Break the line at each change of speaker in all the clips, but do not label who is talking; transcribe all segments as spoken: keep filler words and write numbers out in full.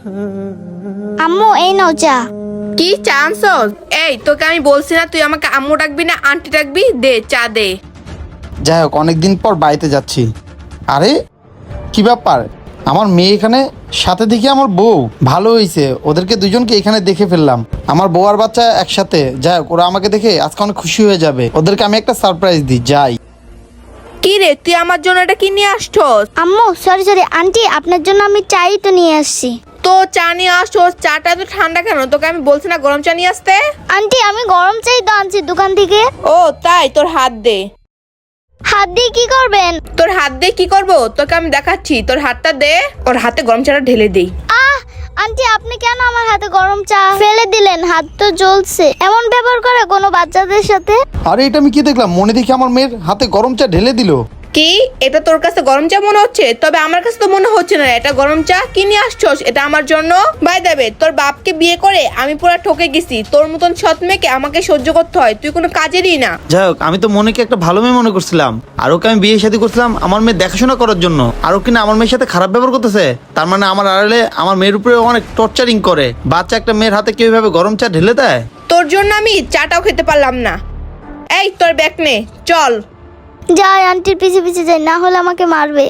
আম্মু এই নাও চা।
কি চান্স? এই তোকে আমি বলছি না তুই আমাকে আম্মু ডাকবি না আন্টি ডাকবি? দে চা দে।
যাই হোক, অনেকদিন পর বাড়িতে যাচ্ছি। আরে কি ব্যাপার, আমার মেয়ে এখানে, সাথে দেখি আমার বউ। ভালো হয়েছে, ওদেরকে দুজনকে এখানে দেখে ফেললাম। আমার বউ আর বাচ্চা একসাথে। যাই হোক, ওরা আমাকে দেখে আজকে অনেক খুশি হয়ে যাবে। ওদেরকে আমি একটা সারপ্রাইজ দিই। যাই।
কি রে তুই আমার জন্য এটা কি নিয়ে আসছস?
আম্মু সরি সরি আন্টি, আপনার জন্য আমি চাই তো নিয়ে আসছি।
তো চা নিয়ে আসছস, চাটা তো ঠান্ডা কেন? তোকে আমি বলছি না গরম চা নিয়ে আসতে?
আন্টি আমি গরম চাই তো আনছি দোকান থেকে।
ও তাই? তোর হাত দে।
হাত দিয়ে কি করবেন?
তোর হাত দিয়ে কি করব তোকে আমি দেখাচ্ছি। তোর হাতটা দে, ওর হাতে গরম চাটা ঢেলে দেই।
আহ আন্টি আপনি কেন আমার হাতে গরম চা ফেলে দিলেন? হাত তো জ্বলছে। এমন ব্যবহার করে কোনো বাচ্চাদের সাথে?
আরে এটা আমি কি দেখলাম? মনে দেখি আমার মেয়ের হাতে গরম চা ঢেলে দিল।
কি এটা তোর কাছে গরম চা মনে হচ্ছে? তবে আমার কাছে তো মনে হচ্ছে না এটা গরম চা। কি নিয়ে আসছস এটা আমার জন্য? বাই দেবে, তোর বাপকে বিয়ে করে আমি পুরো ঠকে গেছি। তোর মতন সৎ মেয়েকে আমাকে সহ্য করতে হয়, তুই কোনো কাজেরই না।
যাই হোক, আমি তো মনেকে একটা ভালো মেয়ে মনে করছিলাম। আর ওকে আমি বিয়ে শাদী করছিলাম আমার মেয়ে দেখাশোনা করার জন্য। আর ও কিনা আমার মেয়ের সাথে খারাপ ব্যবহার করতেছে। তার মানে আমার আড়ালে আমার মেয়ের উপরে অনেক টর্চারিং করে। বাচ্চা একটা মেয়ের হাতে কেউ ভাবে গরম চা ঢেলে দেয়?
তোর জন্য আমি চাটাও খেতে পারলাম না। এই তোর ব্যাগ নে, চল।
যাই আন্টির পিছে পিছে যাই, না হলে আমাকে মারবে।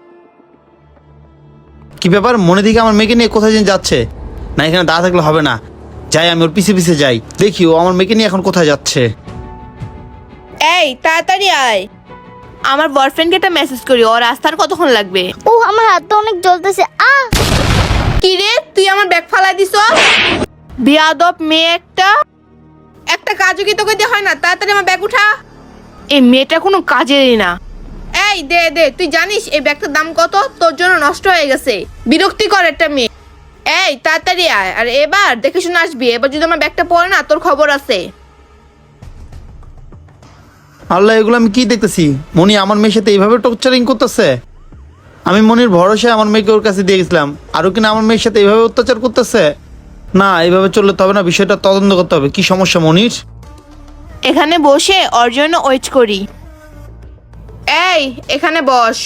কি ব্যাপার, মনে দিকে আমার মেয়েকে নিয়ে কোথায় যেন যাচ্ছে? না এখানে দাঁড়া থাকলে হবে না। যাই, আমি ওর পিছে পিছে যাই, দেখি ও আমার মেয়েকে নিয়ে এখন কোথায় যাচ্ছে।
এই তাড়াতাড়ি আয়, আমার বয়ফ্রেন্ডকে একটা মেসেজ করি। ওর রাস্তার কতক্ষণ লাগবে?
ও আমার হাতটা অনেক জ্বলতেছে। আহ
কি রে তুই আমার ব্যাগ ফালাই দিছ? বিয়াদব মেয়ে একটা। একটা কাজও কি তোকে দিয়ে হয় না? তাড়াতাড়ি আমার ব্যাগ উঠা। এই মেয়েটা কোনো কাজেরই না। এই দে দে, তুই জানিস এই ব্যাগটার দাম কত? তোর জন্য নষ্ট হয়ে গেছে। বিরক্তিকর একটা মেয়ে। এই তাড়াতাড়ি আয়, আর এবার দেখে শুনে আসবি। এবার যদি আমার ব্যাগটা পড়ে না তোর খবর আছে।
আল্লাহ, এগুলো আমি কি দেখতেছি? মনি আমার মেয়ের সাথে এইভাবে টর্চারিং করতেছে। আমি মনির ভরসায় আমার মেয়েকে ওর কাছে দিয়ে গেছিলাম, আরও কিনা আমার মেয়ের সাথে এইভাবে অত্যাচার করতেছে। না, এইভাবে চললে তো হবে না, বিষয়টা তদন্ত করতে হবে। কি সমস্যা মনির?
এখানে বসে ওর জন্য ওয়েট করি। এই এখানে বস।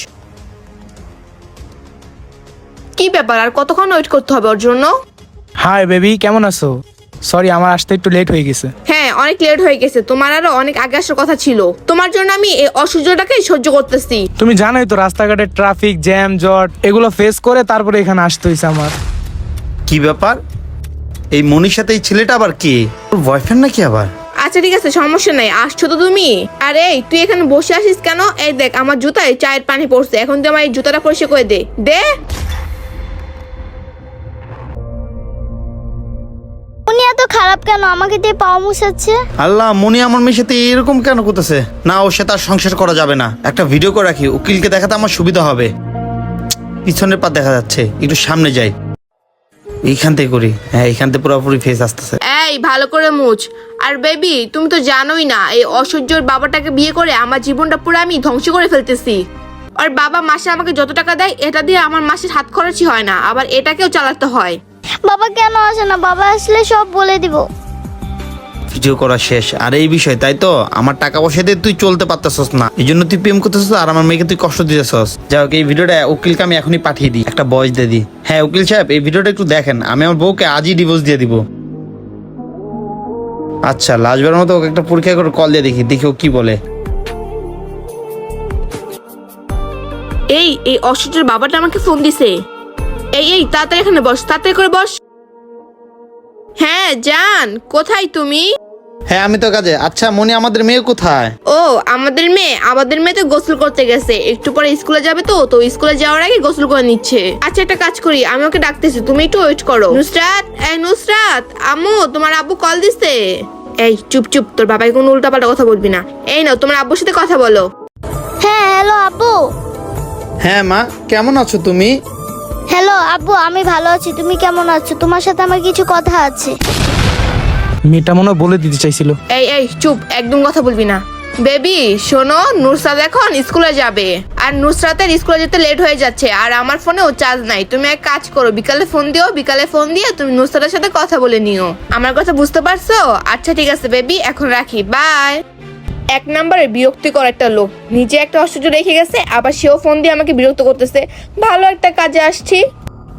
কি ব্যাপার, আর কতক্ষণ ওয়েট করতে হবে ওর জন্য?
হাই বেবি, কেমন আছো? সরি আমার আসতে একটু লেট হয়ে গেছে।
হ্যাঁ অনেক লেট হয়ে গেছে, তোমার আরো অনেক আগে আসার কথা ছিল। তোমার জন্য আমি এই অসহ্যটাকে সহ্য করতেছি।
তুমি জানোই তো রাস্তাঘাটে ট্রাফিক জ্যাম জট এগুলো ফেস করে তারপরে এখানে আসতে হয়েছে আমার।
কি ব্যাপার, এই মনির সাথে এই ছেলেটা আবার কে? ওর বয়ফ্রেন্ড নাকি আবার?
আচ্ছা ঠিক আছে, সমস্যা নাই, আসছো তো তুমি। আরে তুই এখানে বসে আসিস কেন? এই দেখ আমার জুতায় চায়ের পানি পড়ছে, এখন তুই আমার এই জুতাটা পরিষ্কার করে দে দে।
উনি এত খারাপ কেন? আমাকে দিয়ে পাও মুছাচ্ছে।
আল্লাহ, মনি আমার মেয়ের সাথে এরকম কেন করতেছে? না, ওর সাথে আর সংসার করা যাবে না। একটা ভিডিও করে রাখি, উকিলকে দেখাতে আমার সুবিধা হবে। পিছনের পা দেখা যাচ্ছে, একটু সামনে যাই। এইখান থেকে করি। হ্যাঁ, এইখান থেকে পুরোপুরি ফেস আসতেছে।
এই ভালো করে মুছ। আর বেবি তুমি তো জানোই না, এই অসহ্যর বাবাটাকে বিয়ে করে আমার জীবনটা পুরো আমি ধ্বংস করে ফেলতেছি। আর বাবা মাসে আমাকে যত টাকা দেয় এটা দিয়ে আমার মাসের হাত খরচই হয় না, আবার এটাকেও চালাতে হয়।
বাবা কেন আসে না? বাবা আসলে সব বলে দিব।
ভিডিও করা শেষ। আর এই বিষয় তাই তো, আমার টাকা পয়সা দিয়ে তুই চলতে পারতেছস না, এই জন্য তুই প্রেম করতেছস আর আমার মেয়েকে তুই কষ্ট দিতেছস। যাই হোক, এই ভিডিওটা উকিলকে আমি এখনই পাঠিয়ে দিই, একটা বয়স দিয়ে দিই। হ্যাঁ উকিল সাহেব, এই ভিডিওটা একটু দেখেন। আমি আমার বউকে আজই ডিভোর্স দিয়ে দিব। আচ্ছা, লাস্টবারের মতো ওকে একটা পরীক্ষা করে কল দিয়ে দেখি, দেখি ও কি বলে।
এই এই অসহ্যর বাবাটা আমাকে ফোন দিছে। এই এই তাড়াতাড়ি এখানে বস, তাড়াতাড়ি করে বস। হ্যাঁ জান, কোথায় তুমি?
হ্যাঁ আমি তো কাজে। আচ্ছা মনি, আমাদের মেয়ে কোথায়?
ও আমাদের মেয়ে, আমাদের মেয়ে তো গোসল করতে গেছে, একটু পরে স্কুলে যাবে। তো তো স্কুলে যাওয়ার আগে গোসল করে নিচ্ছে। আচ্ছা একটা কাজ করি, আমি ওকে ডাকতেছি, তুমি একটু ওয়েট করো। নুসরাত, এই নুসরাত, আম্মু তোমার আব্বু কল দিছে। এই চুপ চুপ, তোর বাবাকে কোনো উল্টাপাল্টা কথা বলবি না। এই নাও তোমার আব্বুর সাথে কথা বলো।
হ্যাঁ হ্যালো আব্বু।
হ্যাঁ মা, কেমন আছো তুমি?
হ্যালো আব্বু, আমি ভালো আছি। তুমি কেমন আছো? তোমার সাথে আমার কিছু কথা আছে।
মেয়েটা মনে হয় বলে দিতে চাইছিল।
এই এই চুপ, একদম কথা বলবি না। বেবি শোনো, নুসরাত এখন স্কুলে যাবে, আর নুসরাতের স্কুলে যেতে লেট হয়ে যাচ্ছে, আর আমার ফোনেও চার্জ নাই। তুমি এক কাজ করো, বিকালে ফোন দিও, বিকালে ফোন দিয়ে তুমি নুসরাতের সাথে কথা বলে নিও। আমার কথা বুঝতে পারছো? আচ্ছা ঠিক আছে বেবি, এখন রাখি, বাই। এক নম্বরে বিরক্তিকর একটা লোক, নিজে একটা অসহ্য রেখে গেছে, আবার সেও ফোন দিয়ে আমাকে বিরক্ত করতেছে। ভালো একটা কাজে আসছি।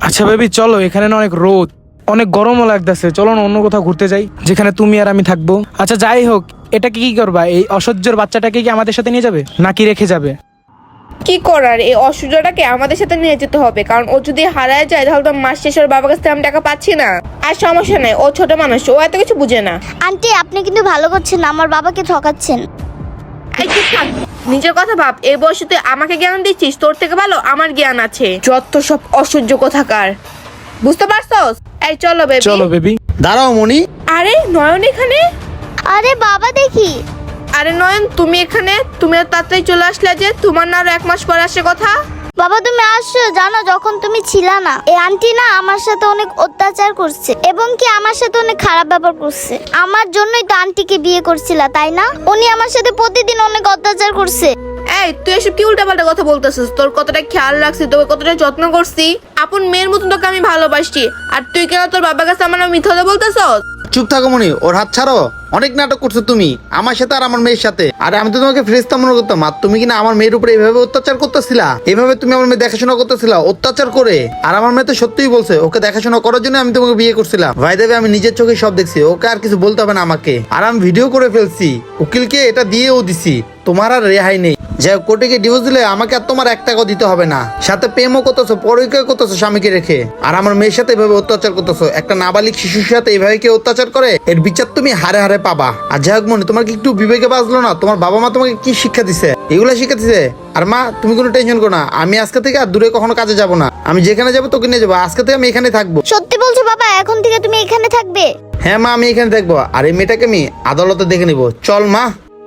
আচ্ছা বেবি চলো, এখানে না অনেক রোদ, অনেক গরমও লাগতেছে, চলো না অন্য কোথাও ঘুরতে যাই যেখানে তুমি আর আমি থাকবো। আচ্ছা যাই হোক, এটাকে কি করবা? এই অসহ্যর বাচ্চাটাকে কি আমাদের সাথে নিয়ে যাবে নাকি রেখে যাবে?
কি করার, এই অসুবিধাটাকে আমাদের সাথে নিয়ে যেতে হবে, কারণ ও যদি হারায় যায় তাহলে তো মাস শেষ ওর বাবার কাছ থেকে আমি টাকা পাচ্ছি না। আর সমস্যা নেই, ও ছোট মানুষ, ও এত কিছু বুঝে না।
আন্টি আপনি কিন্তু ভালো করছেন না, আমার বাবাকে ঠকাচ্ছেন।
এই চুপ থাক, নিজের কথা ভাব। এই বয়সে তুই আমাকে জ্ঞান দিচ্ছিস? তোর থেকে ভালো আমার জ্ঞান আছে। যত সব অসহ্য কথাকার, বুঝতে পারছস? এই চলো বেবি।
চলো বেবি।
দাঁড়াও মনি।
আরে নয়ন এখানে?
আরে বাবা দেখি।
আরে নয়ন তুমি এখানে? তুমি এত তাড়াতাড়ি চলে আসলে যে? তোমার না আরো এক মাস পরে আসে কথা।
বাবা তুমি আসছো, জানো যখন তুমি ছিলা না এই আন্টি না আমার সাথে অনেক অত্যাচার করছে এবং কি আমার সাথে অনেক খারাপ ব্যবহার করছে। আমার জন্যই তো আন্টিকে বিয়ে করছিলা তাই না? উনি আমার সাথে প্রতিদিন অনেক অত্যাচার করছে।
এই তুই এসব কি উল্টাপাল্টা কথা বলতেছিস? তোর কতটা খেয়াল রাখছি, তোকে কতটা যত্ন করছি, আপন মেয়ের মতন তোকে আমি ভালোবাসি, আর তুই কেন তোর বাবার কাছে আমার মিথ্যা কথা বলতেছস?
চুপ থাকো মনি, ওর হাত ছাড়ো। অনেক নাটক করছো তুমি আমার সাথে আর আমার মেয়ের সাথে। আরে আমি তো তোমাকে ফেরেশতা মনে করতাম, আর তুমি কিনা আমার মেয়ের উপরে এইভাবে অত্যাচার করতেছিলা। এভাবে তুমি আমার মেয়ে দেখাশোনা করতেছিলা অত্যাচার করে। আর আমার মেয়ে তো সত্যিই বলছে ওকে দেখাশোনা করার জন্য আমি তোমাকে বিয়ে করছিলাম। ভাই দেবে আমি নিজের চোখে সব দেখছি, ওকে আর কিছু বলতে হবে না আমাকে। আর আমি ভিডিও করে ফেলছি, উকিলকে এটা দিয়েও দিছি, তোমার আর রেহাই নেই। যাই হোক, কোর্টে গিয়ে ডিভোর্স দিলে আমাকে আর তোমার এক টাকাও দিতে হবে না। সাথে প্রেমও করতেছো, পরিচয় করতেছো স্বামীকে রেখে। আর আমার মেয়ের সাথে এভাবে অত্যাচার করতেছো। একটা নাবালিক শিশুর সাথে এভাবে কেউ অত্যাচার করে, এর বিচার তুমি হারে হারে পাবা। আর যাই হোক মনে, তোমার কি একটু বিবেকে বাজলো না? তোমার বাবা মা তোমাকে কি শিক্ষা দিছে? এগুলা শিক্ষা দিছে? আর মা তুমি কোনো টেনশন করো না, আমি আজকে থেকে আর দূরে কখনো কাজে যাব না। আমি যেখানে যাবো তোকে নিয়ে যাবো, আজকে থেকে আমি এখানে থাকবো।
সত্যি বলছো বাবা? এখন থেকে তুমি এখানে থাকবে?
হ্যাঁ মা, আমি এখানে থাকবো। আর এই মেয়েটাকে আমি আদালতে দেখে নিবো। চল মা।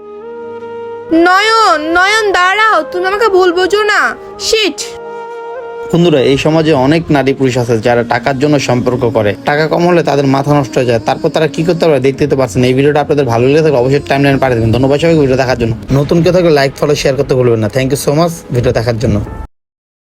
নয়ন, নয়ন দাঁড়াও, তুমি আমাকে ভুল বোঝো না। শিট।
বন্ধুরা, এই সমাজে অনেক নারী পুরুষ আছে যারা টাকার জন্য সম্পর্ক করে। টাকা কম হলে তাদের মাথা নষ্ট হয়ে যায়, তারপর তারা কি করতে পারে দেখতে তো পারছেন। এই ভিডিওটা আপনাদের ভালো লেগে থাকলে অবশ্যই টাইমলাইনে পাঠিয়ে দেবেন। ধন্যবাদ সবাইকে ভিডিও দেখার জন্য। নতুন কেউ থাকলে লাইক ফলো শেয়ার করতে ভুলবেন না। Thank you so much video দেখার জন্য।